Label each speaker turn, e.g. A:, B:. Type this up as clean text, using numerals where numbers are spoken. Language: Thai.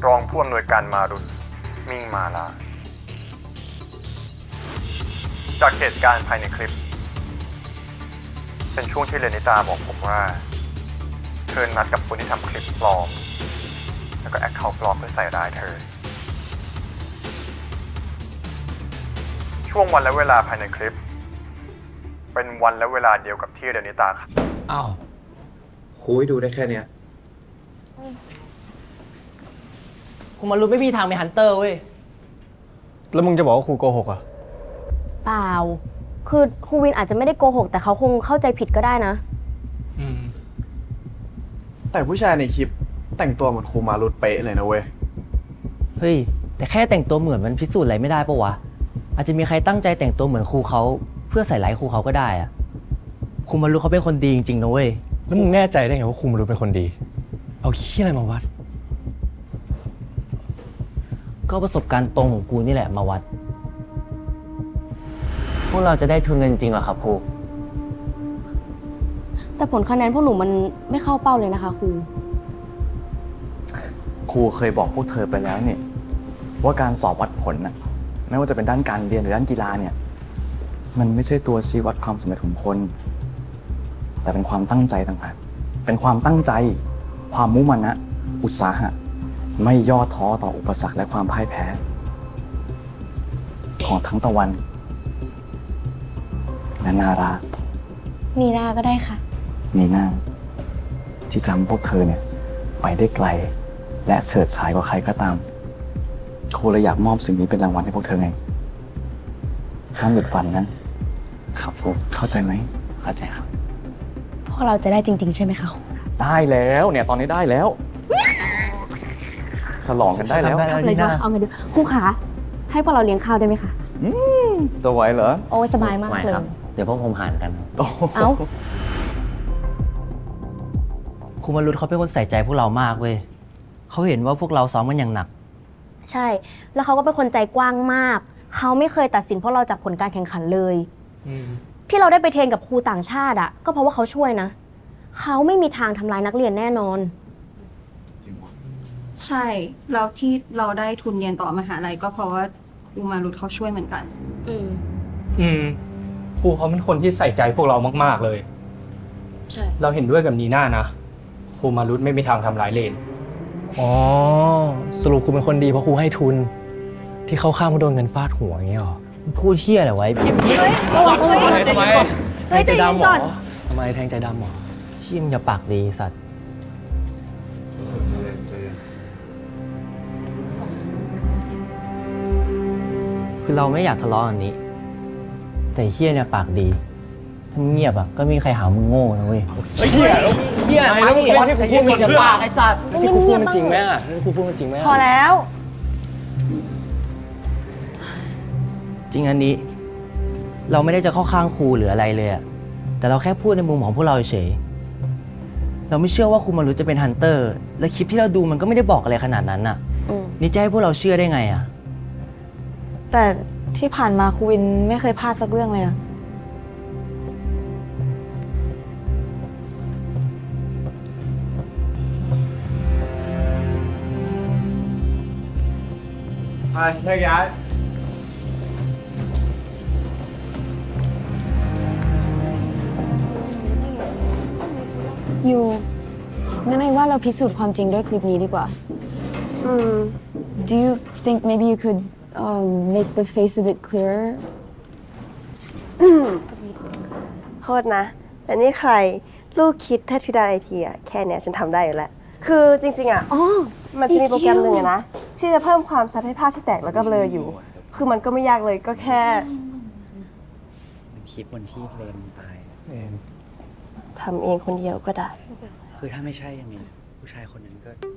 A: รองผู้อำนวยการมารุตมิ่งมาลาจากเหตุการณ์ภายในคลิปเป็นช่วงที่เรนิตาบอกผมว่าเธอนัดกับคนที่ทำคลิปปลอมแล้วก็แอคเคาท์ปลอมเพื่อใส่ร้ายเธอช่วงวันและเวลาภายในคลิปเป็นวันและเวลาเดียวกับที่เรนิตาครับ
B: อ้าวคุยดูได้แค่เนี้ย
C: คุณมารุ้ไม่มีทางเป็นฮันเตอร์เว้ย
D: แล้วมึงจะบอกว่าครูโกหกอ่ะ
E: เปล่า คือครูวินอาจจะไม่ได้โกหกแต่เขาคงเข้าใจผิดก็ได้นะ
F: แต่ผู้ชายในคลิปแต่งตัวเหมือนครูมารุตเป๊ะเลยนะเว้ย
C: เฮ้ย แต่แค่แต่งตัวเหมือนมันพิสูจน์อะไรไม่ได้ปะวะ อาจจะมีใครตั้งใจแต่งตัวเหมือนครูเขาเพื่อใส่ร้ายครูเขาก็ได้อะครูมารุ้เขาเป็นคนดีจริงๆนะเว้ย
D: แล้วมึงแน่ใจได้ไงว่าครูมารุเป็นคนดี เอาขี้อะไรมาวัด
C: ก็ประสบการณ์ตรงของกูนี่แหละมาวัด พวกเราจะได้ทุนเงินจริงเหรอครับครู
E: แต่ผลคะแนนพวกหนูมันไม่เข้าเป้าเลยนะคะครู
G: ครูเคยบอกพวกเธอไปแล้วเนี่ยว่าการสอบวัดผลน่ะไม่ว่าจะเป็นด้านการเรียนหรือด้านกีฬาเนี่ยมันไม่ใช่ตัวชี้วัดความสำเร็จของคน แต่เป็นความตั้งใจต่างหากเป็นความตั้งใจ ความมุ่งมั่นนะอุตสาหะไม่ย่อท้อต่ออุปสรรคและความพ่ายแพ้ ของทั้งตะวันและนารา
E: นีนาก็ได้ค่ะ
G: นีน่าที่ทำพวกเธอเนี่ยไปได้ไกลและเฉิดฉายกว่าใครก็ตามครูเลยอยากมอบสิ่งนี้เป็นรางวัลให้พวกเธอไงห้ามหยุดฝันนะครับครูเข้าใจไหมเข้าใจครับ
E: พวกเราจะได้จริง ๆ ใช่ไหมคะครู
G: ได้แล้วเนี่ยตอนนี้ได้แล้วฉลองกันได้แล้ว
C: ได้
E: เอาเลยเอาไงดีครูคะให้พวกเราเลี้ยงข้าวได้ไหมคะ
G: จะไหวเหรอ
E: โอ้ยสบายมาก
C: ไม่
E: เลย
C: ครับ เดี๋ยวพวกผมหารกัน
G: โอ้
E: เอ้า
C: ครูมารุ้เขาเป็นคนใส่ใจพวกเรามากเว้ยเขาเห็นว่าพวกเราซ้อมกันอย่างหนัก
E: ใช่ แล้วเขาก็เป็นคนใจกว้างมาก เขาไม่เคยตัดสินพวกเราจากผลการแข่งขันเลย ที่เราได้ไปเทรนกับครูต่างชาติอ่ะก็เพราะว่าเขาช่วยนะ เขาไม่มีทางทำร้ายนักเรียนแน่นอน
H: ใช่แล้วที่เราได้ทุนเรียนต่อมหาลัยก็เพราะว่าครูมารุตเขาช่วยเหมือนกัน
D: ครูเขาเป็นคนที่ใส่ใจพวกเรามากๆเลย
E: ใช่
D: เราเห็นด้วยกับนีน่านะ ครูมารุตไม่มีทางทำร้ายเลน อ๋อ สรุปครูเป็นคนดีเพราะครูให้ทุน ที่เข้าข้างเพราะโดนเงินฟาดหัวอย่างเงี้ยหรอ
C: พูดเที่ยอะไรไว้พี่
D: ทำไมแทงใจดำหรอทำไมแทงใจดำหรอ
C: ชิมอย่าปากดีสัตว์คือเราไม่อยากทะเลาะกันนี้ แต่เฮียเนี่ยปากดีถ้าเงียบอ่ะก็ไม่มีใครหามึงโง่นะเว้ย
D: เฮีย
C: เฮียมาดิวะจะพูดมันจะปากไอ้สัตว์
D: ที่ครูพูดมันจริงไหมอ่ะที่ครูพูดมันจริงไหม
H: พอแล้ว
C: จริงอันนี้ เราไม่ได้จะเข้าข้างครูหรืออะไรเลยอะแต่เราแค่พูดในมุมของพวกเราเฉยเราไม่เชื่อว่าครูมารุจะเป็นฮันเตอร์ และคลิปที่เราดูมันก็ไม่ได้บอกอะไรขนาดนั้นน่ะ นี่จะให้พวกเราเชื่อได้ไงอะ
I: แต่ที่ผ่านมาครูวินไม่เคยพลาดสักเรื่องเลยนะ
F: ไปแยกย้าย
I: อยู่งั้นไอ้ว่าเราพิสูจน์ความจริงด้วยคลิปนี้ดีกว่า Do you think maybe you could make the face a bit clearer
J: โทษนะ แต่นี่ใครลูกคิดแทธิดาไอทีอะแค่เนี้ยฉันทำได้อยู่แล้ว คือจริงๆอะ
E: อ๋อ
J: มันจะมีโปรแกรมหนึ่งอะนะ ที่จะเพิ่มความชัดให้ภาพที่แตกแล้วก็เบลออยู่ คือมันก็ไม่ยากเลยก็แค่
G: คลิปวันที่เลนตาย
J: ทำเองคนเดียวก็ได้
G: คือถ้าไม่ใช่ยังไงผู้ชายคนนั้นก็